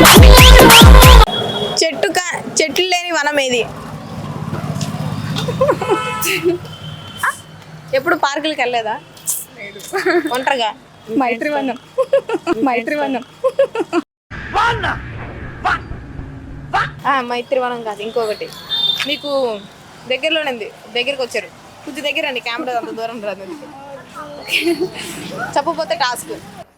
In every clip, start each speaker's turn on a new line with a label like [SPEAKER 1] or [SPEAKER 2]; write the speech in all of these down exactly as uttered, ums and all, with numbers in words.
[SPEAKER 1] చెట్టు చెట్లు లేని వనం ఏది? ఎప్పుడు పార్కులకి వెళ్ళలేదా? ఒంటరిగా
[SPEAKER 2] మైత్రివనం. మైత్రివనం.
[SPEAKER 1] మైత్రివనం కాదు, ఇంకొకటి మీకు దగ్గరలోనే ఉంది. దగ్గరికి వచ్చారు, కొంచెం దగ్గర అండి. కెమెరా అంత దూరం రాదు. చెప్పకపోతే టాస్క్.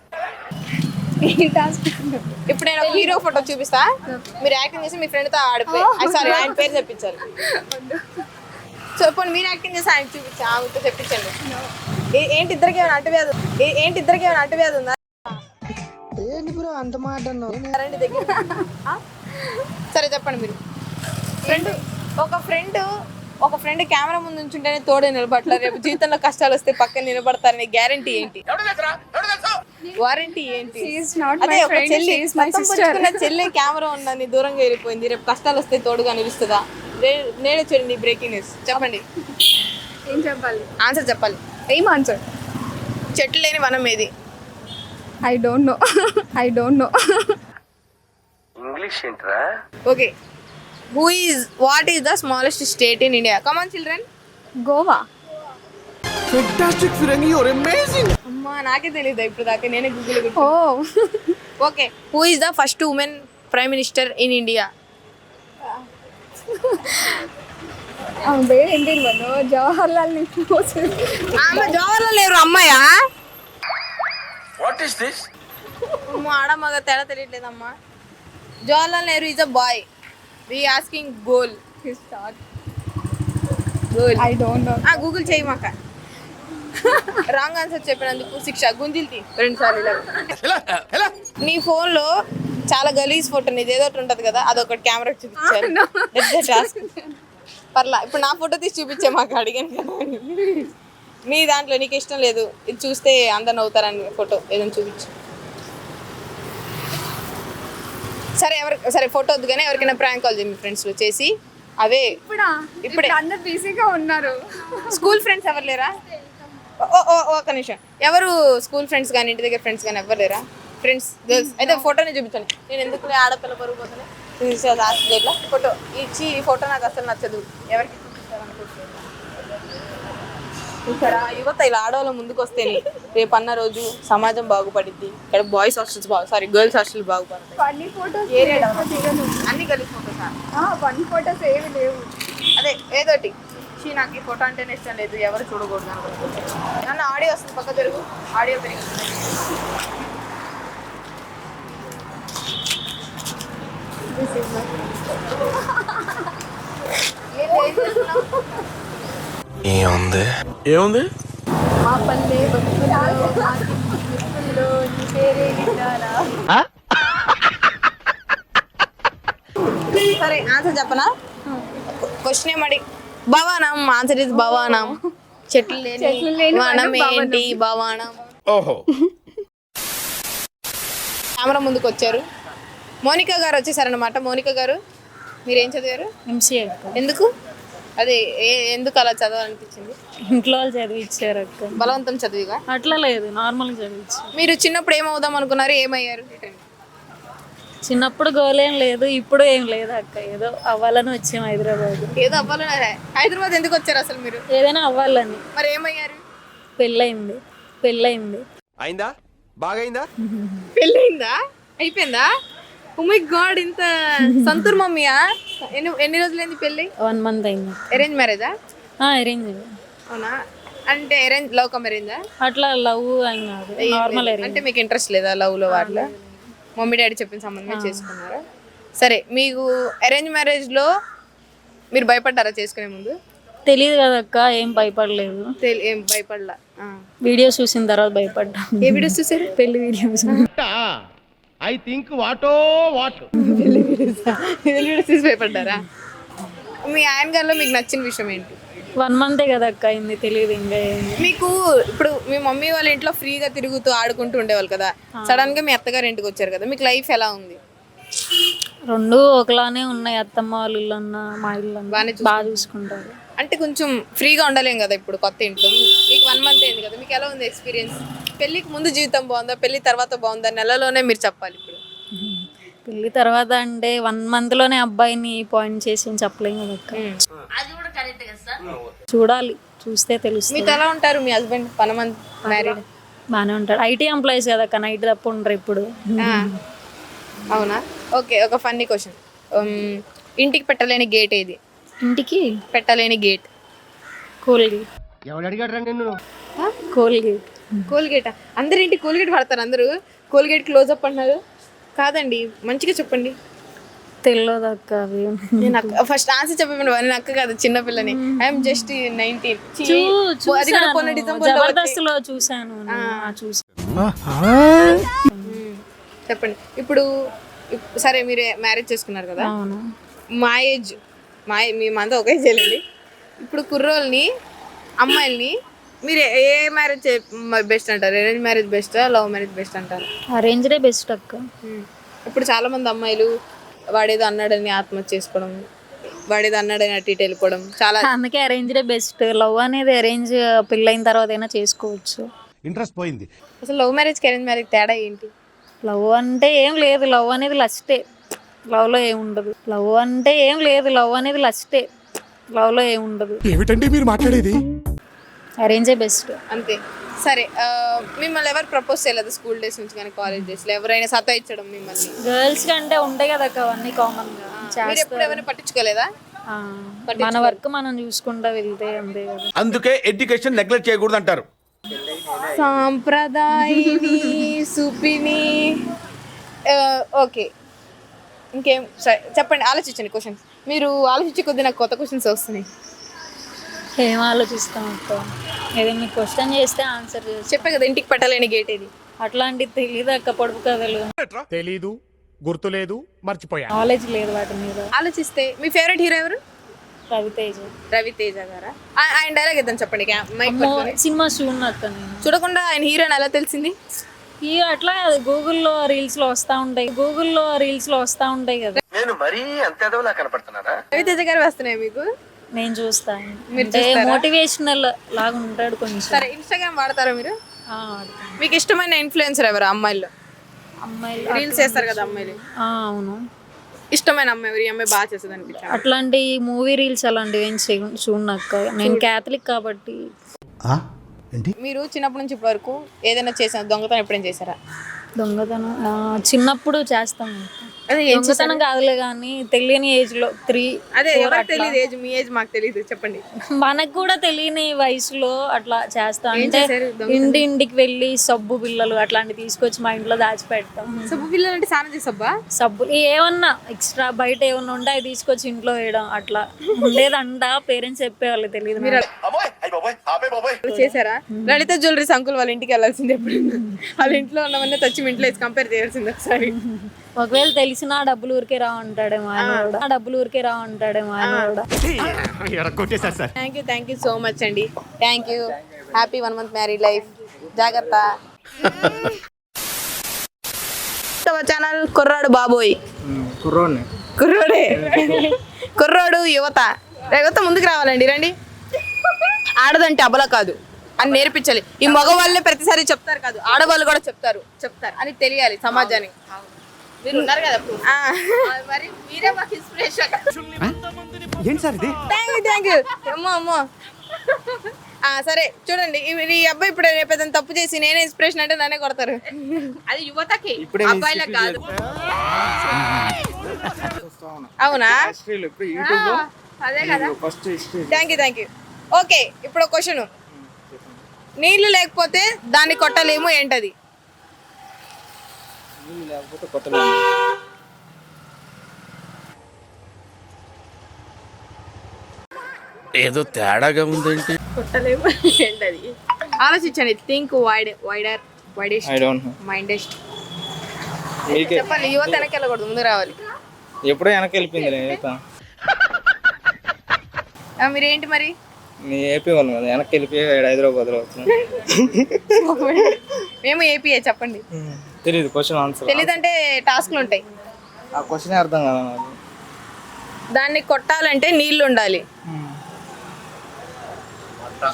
[SPEAKER 1] ఇప్పుడు నేను ఒక హీరో ఫోటో చూపిస్తా, మీరు యాక్టింగ్ చేసి మీ ఫ్రెండ్తో ఆడిపోయి, సారీ ఆయన పేరు చెప్పించాలి. చెప్పండి, మీరు యాక్టింగ్ చేసి ఆయన చూపించా, ఆమెతో చెప్పించండి. ఏంటి ఇద్దరికి ఏమైనా అంటువ్యాధి ఏంటి ఇద్దరికి ఏమైనా అంటువ్యాధి ఉందా? అంత మాట రండి దగ్గర. సరే చెప్పండి. మీరు ఫ్రెండ్ ఒక ఫ్రెండ్ ఒక ఫ్రెండ్ కెమెరా ముందు ఉంచుంటేనే తోడే నిలబడతారు, రేపు జీవితంలో కష్టాలు వస్తే పక్కన నిలబడతారని గ్యారంటీ ఏంటి? వారంటీ ఏంటి? అదే ఒక చెల్లి చెల్లి కెమెరా ఉందని దూరంగా వెళ్ళిపోయింది, రేపు కష్టాలు వస్తే తోడుగా నిలుస్తుందా? నేనే చూడండి బ్రేకింగ్ న్యూస్. చెప్పండి,
[SPEAKER 2] ఏం చెప్పాలి?
[SPEAKER 1] ఆన్సర్ చెప్పాలి.
[SPEAKER 2] ఏం ఆన్సర్?
[SPEAKER 1] చెట్లు లేని వనం ఏది?
[SPEAKER 2] I don't know. I don't know.
[SPEAKER 3] English ఏంట్రా?
[SPEAKER 1] Okay, who is what is the smallest state in India? Come on children.
[SPEAKER 2] Goa.
[SPEAKER 3] Fantastic ఫిరంగి, యు ఆర్ అమేజింగ్.
[SPEAKER 1] అమ్మా నాకే తెలియదు ఇప్పుడు దాకా, నేనే Google.
[SPEAKER 2] Oh
[SPEAKER 1] okay, who is the first women prime minister in India?
[SPEAKER 2] ఏంటి జవహర్లాల్ నెహ్రూ.
[SPEAKER 1] ఆమె జవహర్లాల్ నెహ్రూ అమ్మాయా?
[SPEAKER 3] What is this?
[SPEAKER 1] అమ్మా ఆడ మగ తేడా తెలియట్లేదమ్మా. Jawaharlal Nehru is a boy. We asking goal. Goal.
[SPEAKER 2] I don't know.
[SPEAKER 1] ఆ గూగుల్ చేయి మాక. రాంగ్ ఆన్సర్ చెప్పినందుకు శిక్ష గుంజిల్తి రెండు సార్లు. ఇలా నీ ఫోన్ లో చాలా గలీజ్ ఫోటో నీది ఏదో ఒకటి ఉంటది కదా, అదొకటి కెమెరా చూపించాను. పర్లా, ఇప్పుడు నా ఫోటో తీసి చూపించే మాకు అడిగాను కదా. నీ దాంట్లో నీకు ఇష్టం లేదు, ఇది చూస్తే అందరు నవ్వుతారని ఫోటో ఏదైనా చూపించు. సరే ఎవరి సరే ఫోటో వద్దు కానీ ఎవరికైనా ప్రాంక్ కాల్ చేయండి మీ ఫ్రెండ్స్లో చేసి. అవే
[SPEAKER 2] ఇప్పుడే అందరు బిజీగా ఉన్నారు.
[SPEAKER 1] స్కూల్ ఫ్రెండ్స్ ఎవరు లేరా? ఓ ఓ ఒక నిమిషం, ఎవరు స్కూల్ ఫ్రెండ్స్ కానీ ఇంటి దగ్గర ఫ్రెండ్స్ కానీ ఎవరు లేరా? ఫ్రెండ్స్ గర్ల్స్ అయితే ఫోటోని చూపించండి. నేను ఎందుకు ఆడపిల్ల పరుగు పోతాను ఇట్లా ఫోటో ఇచ్చి, ఈ ఫోటో నాకు అసలు నచ్చదు, ఎవరికి చూపిస్తారనుకుంటున్నాను. ఇక్కడ యువత ఇలా ఆడవాళ్ళ ముందుకు వస్తేనే రేపు అన్న రోజు సమాజం బాగుపడిద్ది. ఇక్కడ బాయ్స్ హాస్టల్స్ బాగు సారీ గర్ల్స్ హాస్టల్ బాగుపడతాయి.
[SPEAKER 2] ఫన్నీ ఫోటోస్
[SPEAKER 1] అన్ని గర్ల్స్ ఫోటోస్.
[SPEAKER 2] ఫన్నీ ఫోటోస్ ఏమి లేవు.
[SPEAKER 1] అదే ఏదోటి షీ నాకు ఈ ఫోటో అంటేనే ఇష్టం లేదు, ఎవరు చూడకూడదు అనుకుంటున్నాను. నన్ను ఆడియో వస్తుంది, పక్క జరుగు. ఆడియో పెరిగి
[SPEAKER 3] ఏముంది ఏముంది
[SPEAKER 2] మా పల్లె బతుకుల్లో నీ పేరే విన్నారా?
[SPEAKER 1] సరే ఆన్సర్ చెప్పనా? క్వశ్చన్ ఏమడి భవానం. ఆన్సర్ ఇస్ భవానం. చెట్లు లేని వనం ఏంటి? భవానం.
[SPEAKER 3] ఓహో.
[SPEAKER 1] కెమెరా ముందుకు వచ్చారు, మోనికా గారు వచ్చేసారనమాట. మోనికా గారు మీరేం చదివారు?
[SPEAKER 4] ఎంసీఏ.
[SPEAKER 1] ఎందుకు అదే ఎందుకు అలా చదవాలనిపించింది?
[SPEAKER 4] ఇంట్లో వాళ్ళు చదివిచ్చారు అక్క.
[SPEAKER 1] బలవంతం చదివిగా?
[SPEAKER 4] అట్లా లేదు, నార్మల్గా చదివించారు.
[SPEAKER 1] మీరు చిన్నప్పుడు ఏమవుదాం అనుకున్నారు, ఏమయ్యారు?
[SPEAKER 4] చిన్నప్పుడు గోల్ ఏం లేదు, ఇప్పుడు ఏం లేదు అక్క. ఏదో అవ్వాలని వచ్చాము హైదరాబాద్.
[SPEAKER 1] ఏదో అవ్వాలని. హైదరాబాద్ ఎందుకు వచ్చారు అసలు మీరు?
[SPEAKER 4] ఏదైనా అవ్వాలని.
[SPEAKER 1] మరి ఏమయ్యారు?
[SPEAKER 4] పెళ్ళయింది. పెళ్ళయింది.
[SPEAKER 3] అయిందా? బాగైందా?
[SPEAKER 1] పెళ్ళయిందా? అయిపోయిందా? ఓ మై గాడ్, ఇంత సంతూర్ మమ్మీయా? ఎన్ని ఎన్ని రోజులైంది పెళ్ళి?
[SPEAKER 4] వన్ మంత్ అయింది.
[SPEAKER 1] అరేంజ్ మ్యారేజా?
[SPEAKER 4] అరేంజ్.
[SPEAKER 1] అవునా? అంటే అరేంజ్ లవ్ కమ్ అరేంజా?
[SPEAKER 4] అట్లా లవ్ అని కాదు, నార్మల్ అరేంజ్.
[SPEAKER 1] అంటే మీకు ఇంట్రెస్ట్ లేదా లవ్ లో? వాటిలో మమ్మీ డాడీ చెప్పిన సంబంధమే చేసుకున్నారా? సరే, మీకు అరేంజ్ మ్యారేజ్ లో మీరు భయపడ్డారా చేసుకునే ముందు?
[SPEAKER 4] తెలియదు కదా అక్క, ఏం భయపడలేదు.
[SPEAKER 1] ఏం భయపడలా?
[SPEAKER 4] వీడియోస్ చూసిన తర్వాత భయపడ్డా.
[SPEAKER 1] ఏ వీడియోస్ చూసారు?
[SPEAKER 4] పెళ్లి వీడియోస్.
[SPEAKER 3] ఐ థింక్ వాటో వాట్
[SPEAKER 1] పెళ్లి వీడియోస్ వీడియోస్ చూసి భయపడ్డారా? మీ ఆయన గారిలో మీకు నచ్చిన విషయం ఏంటి?
[SPEAKER 4] వన్ మంతే కదా అక్క అయింది, తెలియదు ఇంకా.
[SPEAKER 1] మీకు ఇప్పుడు మీ మమ్మీ వాళ్ళ ఇంట్లో ఫ్రీగా తిరుగుతూ ఆడుకుంటూ ఉండేవాళ్ళు కదా, సడన్ గా మీ అత్తగారు ఇంటికి వచ్చారు కదా, మీకు లైఫ్ ఎలా ఉంది?
[SPEAKER 4] రెండు ఒకలానే ఉన్నాయి, అత్తమ్మ వాళ్ళ ఇల్లు అన్న మా ఇల్లు అన్న బాగా చూసుకుంటారు.
[SPEAKER 1] అంటే కొంచెం ఫ్రీగా ఉండలేం కదా ఇప్పుడు కొత్త ఇంట్లో. మీకు వన్ మంత్ అయింది కదా, మీకు ఎలా ఉంది ఎక్స్పీరియన్స్? పెళ్ళికి ముందు జీవితం బాగుందా, పెళ్లి తర్వాత బాగుందా? నెలలోనే మీరు చెప్పాలి. ఇప్పుడు
[SPEAKER 4] పెళ్లి తర్వాత అంటే వన్ మంత్ లోనే అబ్బాయిని పాయింట్ చేసి ఏం చెప్పలేము కదా అక్క. చూడాలి, చూస్తే తెలుస్తుంది.
[SPEAKER 1] మీతో ఎలా ఉంటారు మీ హస్బెండ్ వన్ మంత్ మ్యారీడ్?
[SPEAKER 4] బాగానే ఉంటాడు. ఐటీ ఎంప్లాయీస్ కదా అక్క, నైట్ తప్ప ఉండరు ఇప్పుడు.
[SPEAKER 1] అవునా? ఓకే, ఒక ఫన్నీ క్వశ్చన్. ఇంటికి పెట్టలేని గేట్ ఏది?
[SPEAKER 4] ఇంటికి
[SPEAKER 1] పెట్టలేని గేట్.
[SPEAKER 4] కోల్గేట్.
[SPEAKER 3] ఎవడు అడిగాడు రా నిన్ను?
[SPEAKER 4] కోల్గేట్.
[SPEAKER 1] కోల్గేటా? అందరు ఇంటికి కోల్గేట్ వాడతారు, అందరూ కోల్గేట్ క్లోజ్ అప్ అంటున్నారు. కాదండి, మంచిగా చెప్పండి.
[SPEAKER 4] తెలియదు అక్క అవి.
[SPEAKER 1] నేను ఫస్ట్ ఆన్సర్ చెప్పండి. నేను అక్క కాదు, చిన్న పిల్లని. I'm just nineteen. అది కూడా పోయిన డిసెంబర్ లో
[SPEAKER 4] జబర్దస్త్ లో చూసాను. చూసాను.
[SPEAKER 1] చెప్పండి. ఇప్పుడు ఇప్- సరే మీరు మ్యారేజ్ చేసుకున్నారు కదా,
[SPEAKER 4] అవును.
[SPEAKER 1] మా ఏజ్ మా మేమంతా ఒకే ఏజ్ వెళ్ళండి. ఇప్పుడు కుర్రోల్ని అమ్మాయిల్ని మీరు ఏ మ్యారేజ్ బెస్ట్ అంటారు? అరేంజ్ మ్యారేజ్ బెస్టా, లవ్ మ్యారేజ్ బెస్ట్ అంటారు?
[SPEAKER 4] అరేంజ్డే బెస్ట్ అక్క.
[SPEAKER 1] ఇప్పుడు చాలా మంది అమ్మాయిలు వాడేదో అన్నాడని ఆత్మహత్య చేసుకోవడం, వాడేదో అన్నాడని అటు ఇటు వెళ్ళిపోవడం చాలా.
[SPEAKER 4] అందుకే అరేంజ్డే బెస్ట్. లవ్ అనేది అరేంజ్ పెళ్ళైన తర్వాత అయినా చేసుకోవచ్చు.
[SPEAKER 3] ఇంట్రెస్ట్ పోయింది.
[SPEAKER 1] అసలు లవ్ మ్యారేజ్కి అరేంజ్ మ్యారేజ్ తేడా ఏంటి?
[SPEAKER 4] లవ్ అంటే ఏం లేదు, లవ్ అనేది లస్టే. లవ్లో ఏముండదు. లవ్ అంటే ఏం లేదు, లవ్ అనేది లస్టే. లవ్లో ఏముండదు.
[SPEAKER 3] ఏమిటండి మీరు మాట్లాడేది?
[SPEAKER 4] అరేంజే బెస్ట్.
[SPEAKER 1] అంతే. సరే, ఆ, మిమ్మల్ని ఎవరు ప్రపోజ్ చేయలేదు స్కూల్ డేస్ నుంచి కానీ కాలేజ్ డేస్లో? ఎవరైనా సతాయించడం మిమ్మల్ని?
[SPEAKER 4] గర్ల్స్ కంటే ఉంటాయి కదా అక్క అవన్నీ కామన్ గా
[SPEAKER 1] మీరు
[SPEAKER 4] చేస్తారు.
[SPEAKER 1] ఎప్పుడు ఎవరైనా పట్టించుకోలేదా?
[SPEAKER 4] ఆ, మన వర్క్ మనం చూసుకుంటా వెళ్తే అంతే కదా.
[SPEAKER 3] అందుకే ఎడ్యుకేషన్ నెగ్లెక్ట్ చేయకూడదు అంటారు.
[SPEAKER 1] సాంప్రదాయిని సుపిని. ఆ, ఓకే, ఇంకేం? సరే చెప్పండి, ఆలోచించండి క్వశ్చన్స్. మీరు ఆలోచించి కొద్ది నాకు కొత్త క్వశ్చన్స్ వస్తున్నాయి.
[SPEAKER 4] ఏం ఆలోచిస్తాం అక్క? ఏదో మీకు క్వశ్చన్ చేస్తే ఆన్సర్ చేస్తాం.
[SPEAKER 1] చెప్పే కదా ఇంటికి పెట్టలేని గేట్ ఏది?
[SPEAKER 4] అట్లాంటిది తెలియదు అక్క, పొడుపు కథలు.
[SPEAKER 3] తెలీదు, గుర్తులేదు, మర్చిపోయా.
[SPEAKER 4] నాలెడ్జ్ లేదు వాటి మీద.
[SPEAKER 1] ఆలోచిస్తే మీ ఫేవరెట్ హీరో ఎవరు?
[SPEAKER 4] రవితేజ.
[SPEAKER 1] రవితేజ గారా? ఆ- ఆయన డైలాగ్ ఇద్దాం చెప్పండి. క్యా- మైక్
[SPEAKER 4] అమ్మో,
[SPEAKER 1] పట్టుకొని.
[SPEAKER 4] సినిమా చూడను అక్క నేను.
[SPEAKER 1] చూడకుండా ఆయన హీరోని ఎలా తెలిసింది?
[SPEAKER 4] ఈ అట్లా గూగుల్లో రీల్స్ లో వస్తా ఉంటాయి, గూగుల్లో రీల్స్ లో వస్తా ఉంటాయి కదా.
[SPEAKER 5] నేను మరీ అంత ఎదవలా కనపడుతున్నారా?
[SPEAKER 1] రవితేజ గారు వస్తున్నాయి మీకు?
[SPEAKER 4] నేను చూస్తాను.
[SPEAKER 1] మీరు
[SPEAKER 4] అంటే
[SPEAKER 1] చూస్తారా?
[SPEAKER 4] మోటివేషనల్ లాగా ఉంటాడు కొంచెం.
[SPEAKER 1] సరే, ఇన్స్టాగ్రామ్ వాడతారా మీరు?
[SPEAKER 4] ఆ, వాడతాను.
[SPEAKER 1] మీకు ఇష్టమైన ఇన్ఫ్లుయెన్సర్ ఎవరు అమ్మాయిల్లో?
[SPEAKER 4] అమ్మాయిలు
[SPEAKER 1] రీల్స్ చేస్తారు కదా అమ్మాయిలు,
[SPEAKER 4] ఆ, అవును.
[SPEAKER 1] ఇష్టమైన అమ్మాయి ఎవరు? ఈ అమ్మాయి బాగా చేస్తుంది అనిపించారు.
[SPEAKER 4] అట్లాంటి మూవీ రీల్స్ అలాంటివి ఏం చూ- చూడను అక్క. నేను క్యాథలిక్ కాబట్టి.
[SPEAKER 3] ఏంటి?
[SPEAKER 1] మీరు చిన్నప్పటి నుంచి ఇప్పటి వరకు ఏదైనా చేసారు? దొంగతనం ఎప్పుడైనా చేశారా?
[SPEAKER 4] దొంగతనం ఆ, చిన్నప్పుడు చేస్తాం.
[SPEAKER 1] అదే ఏం
[SPEAKER 4] దొంగతనం కాదులే కానీ తెలియని ఏజ్ లో త్రీ
[SPEAKER 1] అదే ఎవరికి తెలియదు ఏజ్, మీ ఏజ్ మాకు తెలియదు, చెప్పండి.
[SPEAKER 4] మనకు కూడా తెలియని వయసులో అట్లా చేస్తాం. అంటే
[SPEAKER 1] చేశారు
[SPEAKER 4] ఇంటి ఇంటికి వెళ్ళి సబ్బు బిళ్ళలు అట్లాంటివి తీసుకొచ్చి మా ఇంట్లో దాచిపెడతాం.
[SPEAKER 1] సబ్బు పిల్లలు అంటే స్నానం చేసబ్బా?
[SPEAKER 4] సబ్బు ఏమన్నా ఎక్స్ట్రా బయట ఏమన్నా ఉంటే అవి తీసుకొచ్చి ఇంట్లో వేయడం అట్లా ఉండేదంట. పేరెంట్స్ చెప్పేవాళ్ళు, తెలియదు.
[SPEAKER 5] అబ్బాయ్ అయ్యి బాబాయ్ ఆపే బాబాయ్.
[SPEAKER 1] చేశారా? లలిత జ్యువెలరీస్ అంకుల్ వాళ్ళ ఇంటికి వెళ్ళాల్సింది ఎప్పుడు? వాళ్ళ ఇంట్లో ఉన్నవన్నీ తెచ్చి మీ ఇంట్లో వేసి కంపేర్ చేయాల్సింది ఒకసారి.
[SPEAKER 4] ఒకవేళ తెలిసినా డబ్బులు ఊరికే రా అంటాడేమో ఆయన కూడా. ఆ డబ్బులు ఊరికే రా అంటాడేమో ఆయన కూడా.
[SPEAKER 3] కొట్టేశారు sir.
[SPEAKER 1] Thank you thank you so much అండి. Thank you. Happy one month married life. జాగ్రత్త. ఛానల్ కుర్రాడు బాబోయ్.
[SPEAKER 6] కుర్రోడ్ని
[SPEAKER 1] కుర్రోడే. కుర్రోడు యువత. యువత ముందుకు రావాలండి, రండి. ఆడదంటే అబల కాదు అని నేర్పించాలి. ఈ మగవాళ్ళే ప్రతిసారి చెప్తారు కాదు, ఆడవాళ్ళు కూడా చెప్తారు చెప్తారు అని తెలియాలి సమాజానికి. మీరు ఉన్నారు కదా ఇప్పుడు. ఆ, మరి మీరే మాకు ఇన్స్పిరేషన్.
[SPEAKER 3] ఏంటి సార్ ఇది?
[SPEAKER 1] Thank you thank you. అమ్మో అమ్మో. ఆ, సరే చూడండి, ఈ- ఈ అబ్బాయి ఇప్పుడు రేపు ఏదైనా తప్పు చేసి నేనే ఇన్స్పిరేషన్ అంటే నన్నే కొడతారు. అది యువతకి, అబ్బాయిలకు కాదు. అవునా? ఆ, అదే కదా. Thank you thank you. Okay, ఇప్పుడు ఒక క్వశ్చన్. నీళ్లు లేకపోతే దాన్ని కొట్టలేము, ఏంటది?
[SPEAKER 3] ఏదో తేడాగా ఉందేంటి?
[SPEAKER 1] కొట్టలేము ఏంటది? ఆలోచించండి. Think wide wider widest
[SPEAKER 6] I don't know.
[SPEAKER 1] Mindest.
[SPEAKER 6] మీకే
[SPEAKER 1] చెప్పాలి. యువత వెనక్కి వెళ్ళకూడదు, ముందు రావాలి.
[SPEAKER 6] ఎప్పుడో వెనక్కి వెళ్ళిపోయింది యువత.
[SPEAKER 1] ఆ, మీరేంటి మరి?
[SPEAKER 6] మీ ఏపీ వాళ్ళు కదా, వెనక్కి వెళ్ళిపోయి ఈడ హైదరాబాద్లో వచ్చిన.
[SPEAKER 1] మేము ఏపీఏ. చెప్పండి.
[SPEAKER 6] తెలియదు క్వశ్చన్ ఆన్సర్.
[SPEAKER 1] తెలీదంటే టాస్క్లు ఉంటాయి.
[SPEAKER 6] ఆ క్వశ్చనే అర్థం కదా నాకు.
[SPEAKER 1] దాన్ని కొట్టాలంటే నీళ్లు ఉండాలి.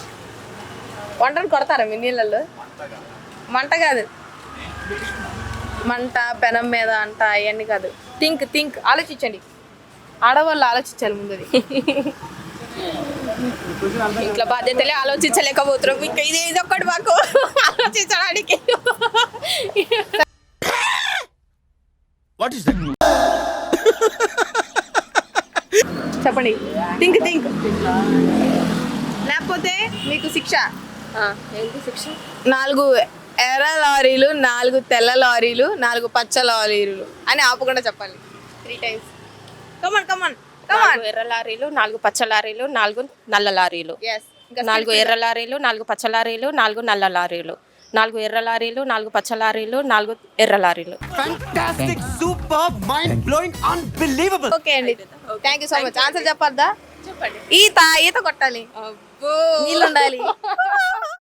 [SPEAKER 1] వంటను కొడతారా మీ నీళ్ళల్లో? మంట కాదు. మంట పెనం మీద అంట అవన్నీ కాదు. థింక్ థింక్ ఆలోచించండి. ఆడవాళ్ళు ఆలోచించాలి ముందు. ఇంట్లో బాధ్యతలే ఆలోచించలేకపోతున్నాం, ఇంకా ఇది ఇది ఒక్కటి మాకు ఆలోచించడానికి.
[SPEAKER 3] What is that?
[SPEAKER 1] చెప్పండి, థింక్ థింక్. లేకపోతే మీకు శిక్ష.
[SPEAKER 2] ఏంటి శిక్ష?
[SPEAKER 1] నాలుగు ఎర్ర లారీలు, నాలుగు తెల్ల లారీలు, నాలుగు పచ్చ లారీలు అని ఆపకుండా చెప్పాలి త్రీ టైమ్స్. కమాన్ కమాన్ కమాన్.
[SPEAKER 7] నాలుగు ఎర్ర లారీలు, నాలుగు పచ్చ లారీలు, నాలుగు నల్ల లారీలు.
[SPEAKER 1] yes ఇంకా
[SPEAKER 7] నాలుగు ఎర్ర లారీలు, నాలుగు పచ్చ లారీలు, నాలుగు నల్ల లారీలు. నాలుగు ఎర్ర లారీలు, నాలుగు పచ్చ లారీలు, నాలుగు ఎర్ర లారీలు.
[SPEAKER 3] Fantastic, super, mind blowing, unbelievable.
[SPEAKER 1] Okay అండి, thank you so much. Answer చెప్పొద్దా?
[SPEAKER 7] చెప్పండి.
[SPEAKER 1] ఈత ఈత కొట్టాలి, నీళ్ళు ఉండాలి.